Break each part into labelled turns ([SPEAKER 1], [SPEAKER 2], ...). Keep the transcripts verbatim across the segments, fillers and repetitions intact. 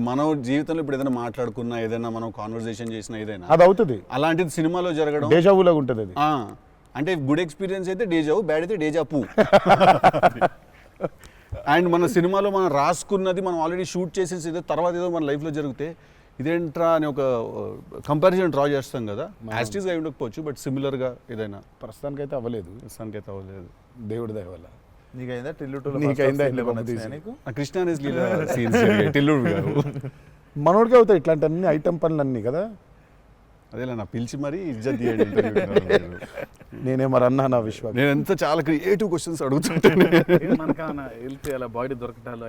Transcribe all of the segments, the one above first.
[SPEAKER 1] మన జీవితంలో ఇప్పుడు ఏదైనా మాట్లాడుకున్నా ఏదైనా మనం కాన్వర్సేషన్ చేసినా ఏదైనా
[SPEAKER 2] అది అవుతుంది,
[SPEAKER 1] అలాంటిది సినిమాలో జరగడం
[SPEAKER 2] డేజావులాగా ఉంటుంది అది.
[SPEAKER 1] అంటే గుడ్ ఎక్స్పీరియన్స్ అయితే డేజావు, బ్యాడ్ అయితే డేజా పూ. అండ్ మన సినిమాలో మనం రాసుకున్నది మనం ఆల్రెడీ షూట్ చేసేసి ఏదో తర్వాత ఏదో మన లైఫ్లో జరిగితే ఇదేంట్రా అని ఒక కంపారిజన్ డ్రా చేస్తాం కదా. యాస్టీస్గా అయి ఉండకపోవచ్చు, బట్ సిమిలర్గా ఏదైనా.
[SPEAKER 2] ప్రస్తుతానికి అయితే అవ్వలేదు,
[SPEAKER 1] ప్రస్తుతానికి అయితే అవ్వలేదు,
[SPEAKER 2] దేవుడి దయ వల్ల.
[SPEAKER 3] నీకైందా టిల్లు
[SPEAKER 2] నీకైందా
[SPEAKER 1] కృష్ణ సీన్స్ టిల్లుడు గారు
[SPEAKER 2] మనోడికి అవుతాయి ఇట్లాంటి అన్ని ఐటమ్ పనులు అన్నీ కదా.
[SPEAKER 1] అదేలా నా పిలిచి మరీ ఇజ్జత్ తీయండి.
[SPEAKER 2] నేనే మరి అన్నా నా విశ్వాసం.
[SPEAKER 1] నేను ఎంత చాలా క్రియేటివ్ క్వశ్చన్స్ అడుగుతుంటాను.
[SPEAKER 3] వెళ్తే అలా బాడీ దొరకటాలో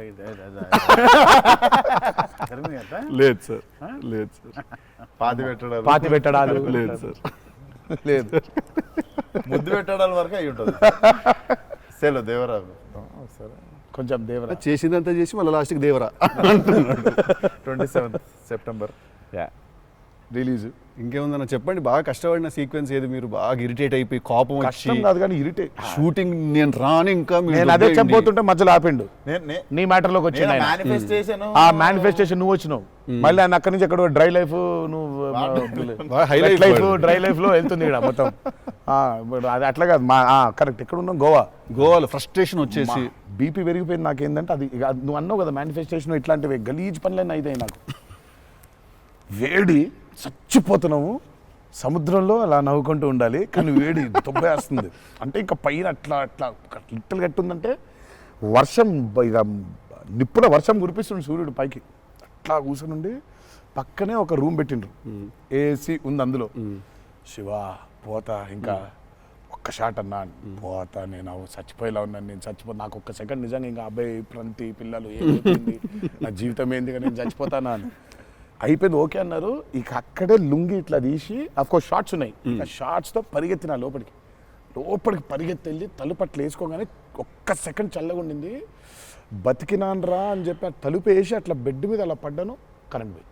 [SPEAKER 1] లేదు సార్, లేదు సార్.
[SPEAKER 3] పాతి పెట్టడాలు
[SPEAKER 2] పాతి పెట్టడాలు
[SPEAKER 1] లేదు సార్,
[SPEAKER 2] లేదు.
[SPEAKER 3] ముద్దు పెట్టడాల వరకు అయి ఉంటుంది. సెలవు దేవరావు
[SPEAKER 2] సరే కొంచెం దేవరా
[SPEAKER 1] చేసిందంతా చేసి మళ్ళీ లాస్ట్కి Devara.
[SPEAKER 3] Twenty seventh September
[SPEAKER 1] release. ఇంకేముందన్న చెప్పండి, బాగా కష్టపడిన సీక్వెన్స్ ఏది, మీరు బాగా ఇరిటేట్ అయిపోయి కోపం వచ్చి
[SPEAKER 2] కాదు కానీ ఇరిటేట్
[SPEAKER 1] షూటింగ్ నేను రాను ఇంకా
[SPEAKER 2] నేను అదే చెప్పబోతుంటే మధ్యలో ఆపిండు.
[SPEAKER 3] నేను
[SPEAKER 2] నీ మ్యాటర్లోకి వచ్చి
[SPEAKER 3] మేనిఫెస్టేషన్
[SPEAKER 2] ఆ మేనిఫెస్టేషన్ నువ్వు వచ్చినావు, మళ్ళీ ఆయన అక్కడి నుంచి ఎక్కడ డ్రై లైఫ్ నువ్వు హైలైట్ లైఫ్ డ్రై లైఫ్ లో వెళ్తుంది ఇక్కడ మొత్తం. అది అట్లా కాదు మా కరెక్ట్. ఎక్కడ ఉన్నాం? గోవా.
[SPEAKER 1] గోవాలో ఫ్రస్ట్రేషన్ వచ్చేసి
[SPEAKER 2] బీపీ పెరిగిపోయింది నాకేందంటే అది నువ్వు అన్నావు కదా మేనిఫెస్టేషన్ ఇట్లాంటివి గలీజ్ పనులన్నీ అయితే నాకు. వేడి చచ్చిపోతున్నాము సముద్రంలో అలా నవ్వుకుంటూ ఉండాలి, కానీ వేడి దొబ్బేస్తుంది. అంటే ఇంకా పైన అట్లా అట్లా లిట్టలు కట్టుందంటే వర్షం ఇక నిప్పుల వర్షం కురిపిస్తుంది సూర్యుడు పైకి. అట్లా కూర్చునుండి పక్కనే ఒక రూమ్ పెట్టిండ్రు, ఏసీ ఉంది అందులో. శివ పోతా ఇంకా ఒక్క షాట్ అన్నా, పోతా నేను చచ్చిపోయేలా ఉన్నాను, నేను చచ్చిపో నాకు ఒక్క సెకండ్ నిజంగా ఇంకా అబ్బాయి ప్రంతి పిల్లలు ఏమైపోయింది నా జీవితం ఏంది, నేను చచ్చిపోతానా అని అయిపోయింది. ఓకే అన్నారు. ఇక అక్కడే లుంగి ఇట్లా తీసి అఫ్కోర్స్ షార్ట్స్ ఉన్నాయి, ఆ షార్ట్స్తో పరిగెత్తిన లోపలికి లోపలికి పరిగెత్తి వెళ్ళి తలుపు అట్లా వేసుకోగానే ఒక్క సెకండ్ చల్లగా ఉండింది. బతికినాన్రా అని చెప్పి ఆ తలుపు వేసి అట్లా బెడ్ మీద అలా పడ్డాను, కరెంట్ పోయింది.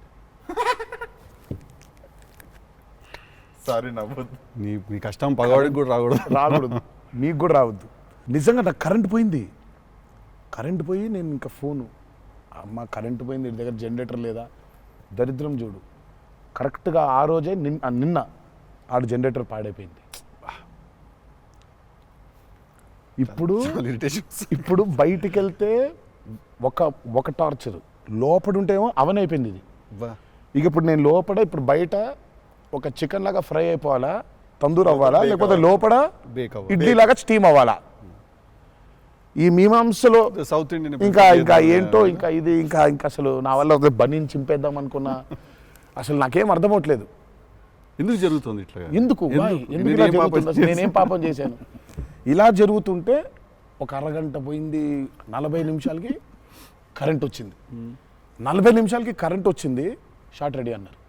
[SPEAKER 3] సారీ నవ్వద్దు,
[SPEAKER 1] నీ నీ కష్టం పగవాడికి కూడా రాకూడదు
[SPEAKER 2] రాకూడదు మీకు కూడా రావద్దు. నిజంగా నాకు కరెంట్ పోయింది. కరెంట్ పోయి నేను ఇంకా ఫోను, అమ్మ కరెంట్ పోయింది, ఇంటి దగ్గర జనరేటర్ లేదా, దరిద్రం చూడు. కరెక్ట్గా ఆ రోజే నిన్న నిన్న ఆడు జనరేటర్ పాడైపోయింది. ఇప్పుడు ఇప్పుడు బయటికి వెళ్తే ఒక ఒక టార్చర్, లోపల ఉంటేమో అవన్ అయిపోయింది ఇది. ఇక ఇప్పుడు నేను లోపల ఇప్పుడు బయట ఒక చికెన్ లాగా ఫ్రై అయిపోవాలా, తందూరు అవ్వాలా, లేకపోతే లోపల ఇడ్లీ లాగా స్టీమ్ అవ్వాలా. ఈ మీమాంసలో
[SPEAKER 1] సౌత్ ఇండియన్
[SPEAKER 2] ఇంకా ఇంకా ఏంటో ఇంకా ఇది ఇంకా ఇంకా అసలు నా వల్ల ఒక బనీని చింపేద్దాం అనుకున్నా, అసలు నాకేం అర్థం అవట్లేదు.
[SPEAKER 1] ఎందుకు జరుగుతుంది ఇట్లా?
[SPEAKER 2] ఎందుకు ఎందుకు ఇలా జరుగుతుంది? అసలు నేనేం పాపం చేశాను? ఇలా జరుగుతుంటే ఒక అరగంట పోయింది, నలభై నిమిషాలకి కరెంట్ వచ్చింది. నలభై నిమిషాలకి కరెంట్ వచ్చింది, షార్ట్ రెడీ అన్నారు.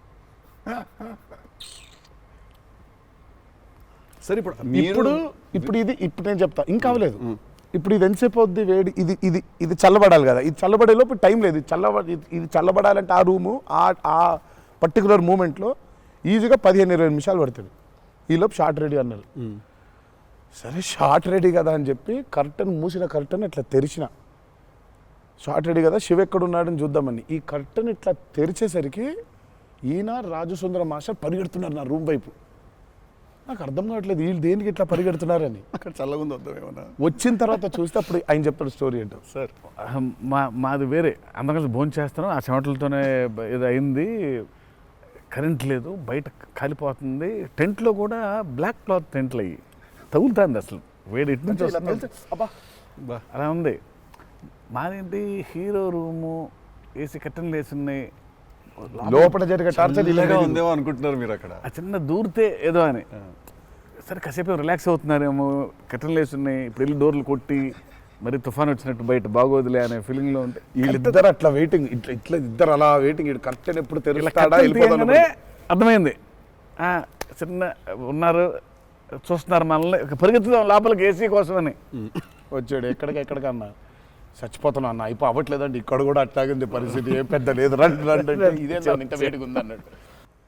[SPEAKER 1] సరే ఇప్పుడు
[SPEAKER 2] ఇప్పుడు ఇప్పుడు ఇది ఇప్పుడు నేను చెప్తా ఇంకా అవ్వలేదు. ఇప్పుడు ఇది ఎంతసేపు అవుద్ది వేడి, ఇది ఇది ఇది చల్లబడాలి కదా, ఇది చల్లబడేలోపు టైం లేదు. ఇది చల్లబ ఇది చల్లబడాలంటే ఆ రూము ఆ పర్టికులర్ మూమెంట్లో ఈజీగా పదిహేను ఇరవై నిమిషాలు పడుతుంది. ఈలోపు షార్ట్ రెడీ అన్నారు. సరే షార్ట్ రెడీ కదా అని చెప్పి కర్టన్ మూసిన కర్టన్ ఇట్లా తెరిచిన, షార్ట్ రెడీ కదా శివ ఎక్కడున్నాడని చూద్దామని ఈ కర్టన్ ఇట్లా తెరిచేసరికి ఈయన రాజసుందర మాస్టర్ పరిగెడుతున్నారు నా రూమ్ వైపు. నాకు అర్థం కావట్లేదు వీళ్ళు దేనికి ఇట్లా పరిగెడుతున్నారని.
[SPEAKER 1] అక్కడ చల్లగా ఉంది వద్దామేమన్నా.
[SPEAKER 2] వచ్చిన తర్వాత చూస్తే అప్పుడు ఆయన చెప్తాడు స్టోరీ ఏంటో.
[SPEAKER 1] సార్
[SPEAKER 3] మా మాది వేరే, అందరం భోజనం చేస్తున్నాం, ఆ చెమటలతోనే ఇది అయింది. కరెంట్ లేదు, బయట కాలిపోతుంది. టెంట్లో కూడా బ్లాక్ క్లాత్ టెంట్లు అయ్యి తగులుతుంది, అసలు వేడి ఇటు నుంచి వస్తుంది. అలా ఉంది. మాదేంటి హీరో రూము, ఏసీ కట్టెలు వేసి ఉన్నాయి,
[SPEAKER 2] లోపల జరిగే టార్చర్
[SPEAKER 1] ఇలాగా ఉందేమో అనుకుంటున్నారు మీరు అక్కడ.
[SPEAKER 3] ఆ చిన్న దూరితే ఏదో అని. సరే కాసేపు రిలాక్స్ అవుతున్నారేమో, కట్టెలు వేసి ఉన్నాయి, ఇప్పుడు వెళ్ళి డోర్లు కొట్టి మరి తుఫాన్ వచ్చినట్టు బయట బాగోదులే అనే ఫీలింగ్లో ఉంటే
[SPEAKER 2] వీళ్ళిద్దరు అట్లా వెయిటింగ్, ఇట్లా ఇట్లా ఇద్దరు అలా వెయిటింగ్. ఇటు కర్టెన్ ఎప్పుడు తెరుస్తాడా
[SPEAKER 3] అర్థమైంది. చిన్న ఉన్నారు చూస్తున్నారు మనల్ని, పరిగెత్తుదాం లోపలికి ఏసీ కోసమని
[SPEAKER 2] వచ్చాడు. ఎక్కడికి ఎక్కడికన్నా చచ్చిపోతున్నా అన్న, అయిపో అవ్వట్లేదండి, ఇక్కడ కూడా అట్లాగే ఉంది పరిస్థితి, ఏం పెద్ద లేదు, రండి రండి, ఇదే ఇంత వేడిగా ఉంది అన్నట్టు.